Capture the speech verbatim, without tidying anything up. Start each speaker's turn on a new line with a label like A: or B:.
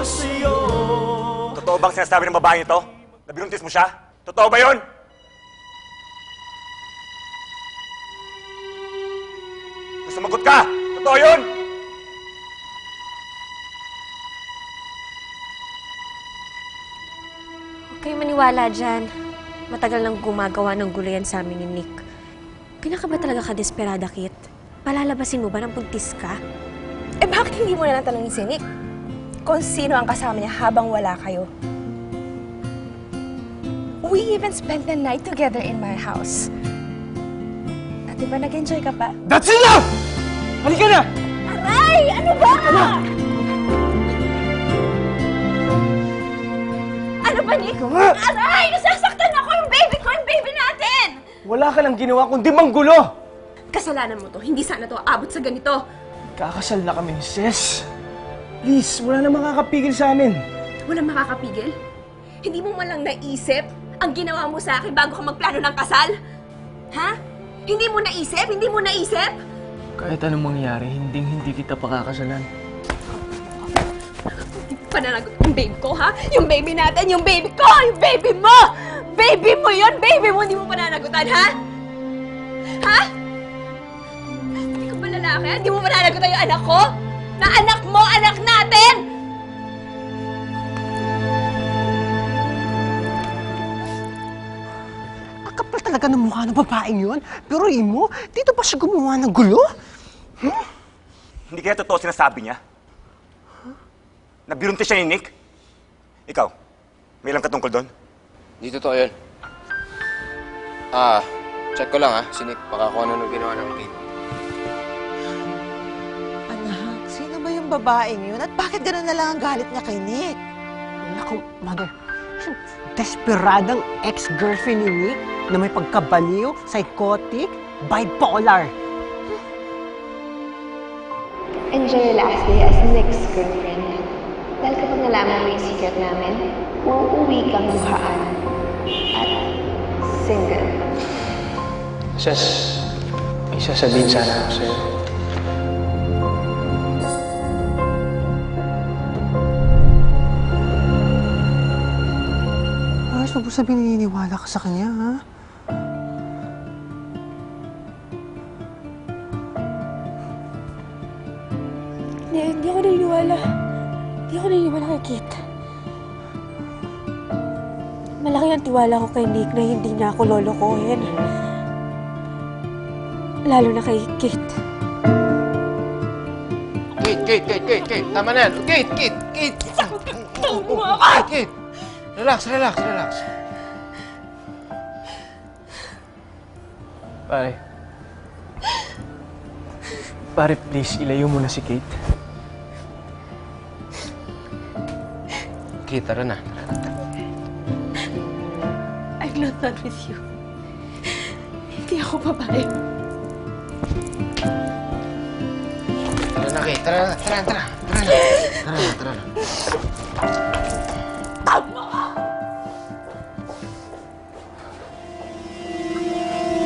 A: sa'yo.
B: Totoo bang sinasabi ng babae ito? Na binuntis mo siya? Totoo ba yun? Sumagot ka! Totoo yun!
C: Huwag kayo maniwala dyan. Matagal nang gumagawa ng gulo yan sa amin ni Nick. Pinaka ba talaga ka desperada, Kit? Palalabasin mo ba ng buntis ka?
D: Eh bakit hindi mo na natanongin si Nick kung sino ang kasama niya habang wala kayo? We even spent the night together in my house. At diba nag-enjoy ka pa?
A: That's enough! Halika na!
D: Aray! Ano ba? Ano ba, Nick? Aray! Nasasaktan ako! Yung baby ko! Yung baby natin!
A: Wala ka lang ginawa kundi manggulo!
D: Kasalanan mo to. Hindi sana to aabot sa ganito.
A: Kakasal na kami ni Sis. Please, wala na makakapigil sa amin.
D: Walang makakapigil? Hindi mo man lang naisip ang ginawa mo sa akin bago ka magplano ng kasal? Ha? Hindi mo naisip? Hindi mo naisip?
A: Kahit anong mangyari, hinding hindi kita pakakasalan.
D: Pananagot yung baby ko, ha? Yung baby natin, yung baby ko! Yung baby mo! Baby mo yun! Baby mo! Hindi mo pananagutan, ha? Ha? Hindi ka ba lalaki? Hindi mo pananagutan yung anak ko? Na anak mo, anak natin!
E: Ang kapal talaga ng mukha ng babaeng yun. Pero Imo, dito ba siya gumawa ng gulo? Hmm?
B: Hindi kaya totoo sinasabi niya? Na binuntis siya ni Nick? Ikaw, may alam ka tungkol doon?
F: Di totoo yun. Ah, check ko lang ah, si Nick. Baka kung ano nung ginawa ng Kate.
E: Anak, sino ba yung babaeng yun? At bakit gano'n na lang ang galit niya kay Nick? Naku, mother, desperadang ex-girlfriend ni Nick na may pagkabaliw, psychotic, bipolar.
G: Enjoy your last day as Nick's girlfriend. Dahil kapag nalaman mo yung secret namin, uuwi kang luhaan at single.
A: Sis, may sasabihin sana ako sa'yo.
E: Ayos, huwag mo sabihin naniniwala ka sa kanya, ha?
C: Hindi, hindi ako naniniwala. Hindi ako naniniwala kay Kit. Malaki ang tiwala ko kay Nick na hindi niya ako lolokohin. Lalo na kay Kit.
F: Kate, Kate, Kate, Kate, Kate! Tama na yan! Kate, Kate, Kate! Kate, Kate! Relax, relax, relax.
A: Pare. Pare, please, ilayo mo na si Kate.
F: Kate, tara na.
C: I'm not done with you. Hindi ako babae.
F: Tara na, Kate. Tara na, tara na, tara na. Tara na, tara na, tara na.